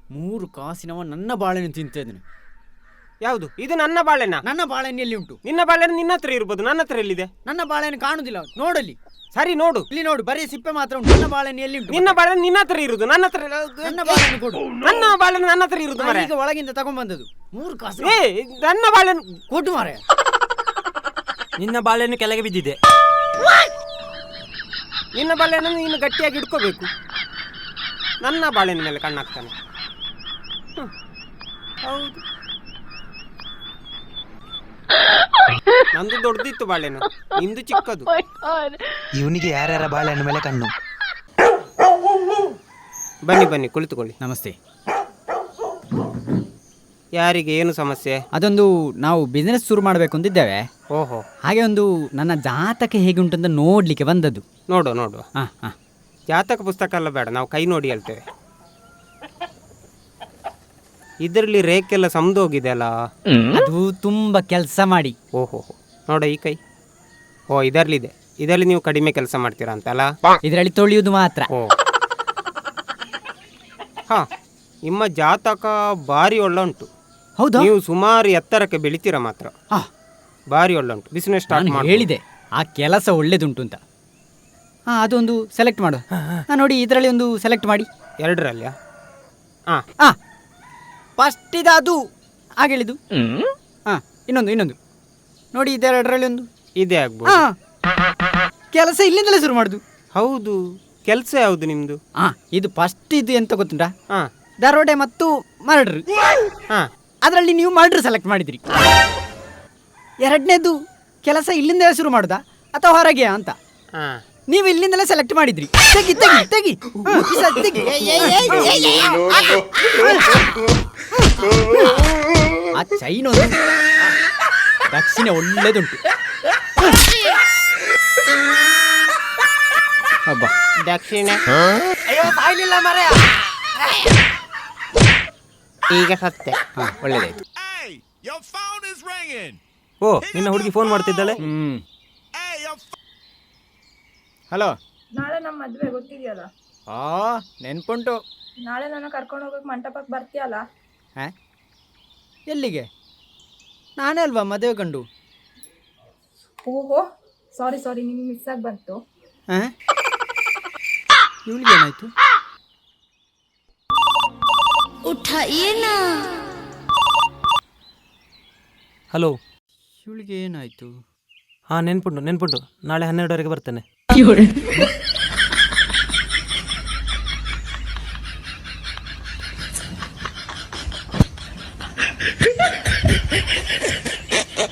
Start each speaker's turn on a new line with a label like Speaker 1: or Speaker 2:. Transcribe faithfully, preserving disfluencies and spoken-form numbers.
Speaker 1: ಮೂರು ಕಾಸಿನವ ನನ್ನ ಬಾಳೆಹಣ್ಣು ತಿಂತಿದ್ದೇನೆ.
Speaker 2: ಯಾವುದು ಇದು? ನನ್ನ ಬಾಳೆಹಣ್ಣ?
Speaker 1: ನನ್ನ ಬಾಳೆಹಣ್ಣು ಎಲ್ಲಿ ಉಂಟು?
Speaker 2: ನಿನ್ನ ಬಾಳೆಹಣ್ಣು ನಿನ್ನ ಹತ್ರ ಇರ್ಬೋದು, ನನ್ನ ಹತ್ರ ಎಲ್ಲಿದೆ?
Speaker 1: ನನ್ನ ಬಾಳೆಹಣ್ಣು ಕಾಣುದಿಲ್ಲ, ನೋಡಲಿ.
Speaker 2: ಸರಿ ನೋಡು,
Speaker 1: ಇಲ್ಲಿ ನೋಡು, ಬರೀ ಸಿಪ್ಪೆ ಮಾತ್ರ ಉಂಟು. ನನ್ನ ಬಾಳೆಹಣ್ಣು ಎಲ್ಲಿ ಉಂಟು?
Speaker 2: ನಿನ್ನ ಬಾಳೆಹಣ್ಣು ನಿನ್ನ ಹತ್ರ ಇರುದು, ನನ್ನ ಹತ್ರ.
Speaker 1: ನನ್ನ ಬಾಳೆಹಣ್ಣು ಕೊಡು.
Speaker 2: ನನ್ನ ಬಾಳೆಹಣ್ಣು ನನ್ನ ಹತ್ರ ಇರುದು ಮಾರೆ.
Speaker 1: ಈಗ ಒಳಗಿಂದ ತಗೊಂಡ್ಬಂದದ್ದು ಮೂರು ಕಾಸು.
Speaker 2: ಏ ನನ್ನ ಬಾಳೆಹಣ್ಣು
Speaker 1: ಕೊಟ್ಟು ಮಾರೆ.
Speaker 3: ನಿನ್ನ ಬಾಳೆಹಣ್ಣು ಕೆಳಗೆ ಬಿದ್ದಿದೆ.
Speaker 2: ನಿನ್ನ ಬಾಳೆಹಣ್ಣು ನೀನು ಗಟ್ಟಿಯಾಗಿ ಇಟ್ಕೋಬೇಕು. ನನ್ನ ಬಾಳೆಹಣ್ಣ ಮೇಲೆ ಕಣ್ಣಾಗ್ತಾನೆ. ಹೌದು, ನಂದು ದೊಡ್ಡದಿತ್ತು ಬಾಳೆಹಣ್ಣು, ನಿಂದು ಚಿಕ್ಕದು.
Speaker 3: ಇವನಿಗೆ ಯಾರ್ಯಾರ ಬಾಳೆಹಣ್ಣು ಮೇಲೆ ಕಣ್ಣು.
Speaker 2: ಬನ್ನಿ ಬನ್ನಿ ಕುಳಿತುಕೊಳ್ಳಿ.
Speaker 1: ನಮಸ್ತೆ.
Speaker 2: ಯಾರಿಗೆ ಏನು ಸಮಸ್ಯೆ?
Speaker 1: ಅದೊಂದು ನಾವು ಬಿಸ್ನೆಸ್ ಶುರು ಮಾಡಬೇಕು ಅಂತಿದ್ದೇವೆ.
Speaker 2: ಓಹೋ,
Speaker 1: ಹಾಗೆ ಒಂದು ನನ್ನ ಜಾತಕ ಹೇಗೆ ಉಂಟಂತ ನೋಡ್ಲಿಕ್ಕೆ ಬಂದದ್ದು.
Speaker 2: ನೋಡು ನೋಡು.
Speaker 1: ಹಾ ಹಾ,
Speaker 2: ಜಾತಕ ಪುಸ್ತಕ ಎಲ್ಲ ಬೇಡ, ನಾವು ಕೈ ನೋಡಿ ಹೇಳ್ತೇವೆ. ಇದರಲ್ಲಿ ರೇಖೆಲ್ಲ ಸಮದೋಗಿದೆ ಅಲ್ಲ,
Speaker 1: ಅದು ತುಂಬಾ ಕೆಲಸ ಮಾಡಿ.
Speaker 2: ಓಹೋ, ನೋಡ ಈ ಕೈ. ಓ ಇದರಲ್ಲಿದೆ, ಇದರಲ್ಲಿ ನೀವು ಕಡಿಮೆ ಕೆಲಸ ಮಾಡ್ತೀರಾ ಅಂತಲ್ಲ.
Speaker 1: ಇದರಲ್ಲಿ ತೊಳೆಯುವುದು ಮಾತ್ರ.
Speaker 2: ಓ ಹಾ, ನಿಮ್ಮ ಜಾತಕ ಭಾರಿ ಒಳ್ಳೆ ಉಂಟು.
Speaker 1: ಹೌದಾ?
Speaker 2: ನೀವು ಸುಮಾರು ಎತ್ತರಕ್ಕೆ ಬೆಳಿತೀರಾ ಮಾತ್ರ.
Speaker 1: ಹಾ,
Speaker 2: ಭಾರಿ ಒಳ್ಳೆ ಉಂಟು. ಬಿಸಿನೆಸ್ ಸ್ಟಾರ್ಟ್
Speaker 1: ನಾನು
Speaker 2: ಮಾಡಿ.
Speaker 1: ಹೇಳಿದೆ ಆ ಕೆಲಸ ಒಳ್ಳೇದುಂಟು ಅಂತ. ಹಾ, ಅದೊಂದು ಸೆಲೆಕ್ಟ್ ಮಾಡು. ಹಾ, ನೋಡಿ ಇದರಲ್ಲಿ ಒಂದು ಸೆಲೆಕ್ಟ್ ಮಾಡಿ.
Speaker 2: ಎರಡರಲ್ಲಿಯಾ? ಹಾಂ
Speaker 1: ಹಾ, ಫಸ್ಟ್ ಇದು ಅದು ಹಾಗೆ ಹೇಳಿದ್ದು. ಹಾ, ಇನ್ನೊಂದು ಇನ್ನೊಂದು ನೋಡಿ, ಇದೆರಡರಲ್ಲಿ ಒಂದು
Speaker 2: ಇದೇ ಆಗ್ಬೋದು.
Speaker 1: ಹಾ, ಕೆಲಸ ಇಲ್ಲಿಂದಲೇ ಶುರು ಮಾಡುದು.
Speaker 2: ಹೌದು, ಕೆಲಸ ಯಾವುದು ನಿಮ್ದು?
Speaker 1: ಹಾ, ಇದು ಫಸ್ಟ್ ಇದು ಎಂತ ಗೊತ್ತುಂಟಾ?
Speaker 2: ಹಾಂ
Speaker 1: ದರೋಡೆ ಮತ್ತು ಮರ್ಡ್ರ್.
Speaker 2: ಹಾಂ,
Speaker 1: ಅದರಲ್ಲಿ ನೀವು ಮರ್ಡ್ರ್ ಸೆಲೆಕ್ಟ್ ಮಾಡಿದ್ರಿ. ಎರಡನೇದು ಕೆಲಸ ಇಲ್ಲಿಂದಲೇ ಶುರು ಮಾಡುದಾ ಅಥವಾ ಹೊರಗೆ ಅಂತ
Speaker 2: ಹಾಂ,
Speaker 1: ನೀವು ಇಲ್ಲಿಂದಲೇ ಸೆಲೆಕ್ಟ್ ಮಾಡಿದ್ರಿ. ತೆಗಿ ತೆಗಿ ತೆಗಿ. ಹಾ, ಈ ಸಲ ತೆಗಿ. ಆ ಚೈನ್ ಒಂದು ದಕ್ಷಿಣ ಒಳ್ಳೇದುಂಟು. ಹಬ್ಬ
Speaker 2: ದಕ್ಷಿಣ
Speaker 1: ಅಯ್ಯೋ ಸಾಯ್ಲಿಲ್ಲ ಮರೆ.
Speaker 2: ಈಗ ಸತ್ತೆ.
Speaker 1: ಹಾಂ, ಒಳ್ಳೇದಾಯ್ತು.
Speaker 3: ಓ, ನಿನ್ನ ಹುಡುಗಿ ಫೋನ್ ಮಾಡ್ತಿದ್ದಾಳೆ.
Speaker 1: ಹ್ಮ್, ಹಲೋ.
Speaker 4: ನಾಳೆ ನಮ್ಮ ಮದ್ವೆ ಗೊತ್ತಿದೆಯಲ್ಲ.
Speaker 1: ಆ ನೆನ್ಪುಂಟು.
Speaker 4: ನಾಳೆ ನನ್ನ ಕರ್ಕೊಂಡು ಹೋಗಕ್ಕೆ ಮಂಟಪಕ್ಕೆ ಬರ್ತೀಯಲ್ಲ?
Speaker 1: ಹಾ, ಎಲ್ಲಿಗೆ? ನಾನೇ ಅಲ್ವಾ ಮದುವೆ ಕಂಡು.
Speaker 4: ಓಹೋ, ಸಾರಿ ಸಾರಿ, ನಿಮ್ಗೆ ಮಿಸ್ ಆಗಿ ಬಂತು.
Speaker 1: ಹಾಂ, ಇವಳಿಗೆ ಏನಾಯ್ತು?
Speaker 3: ಹಲೋ,
Speaker 1: ಇವಳಿಗೆ ಏನಾಯ್ತು?
Speaker 3: ಹಾಂ ನೆನ್ಪುಂಟು ನೆನ್ಪುಂಟು ನಾಳೆ ಹನ್ನೆರಡುವರೆಗೆ ಬರ್ತೇನೆ.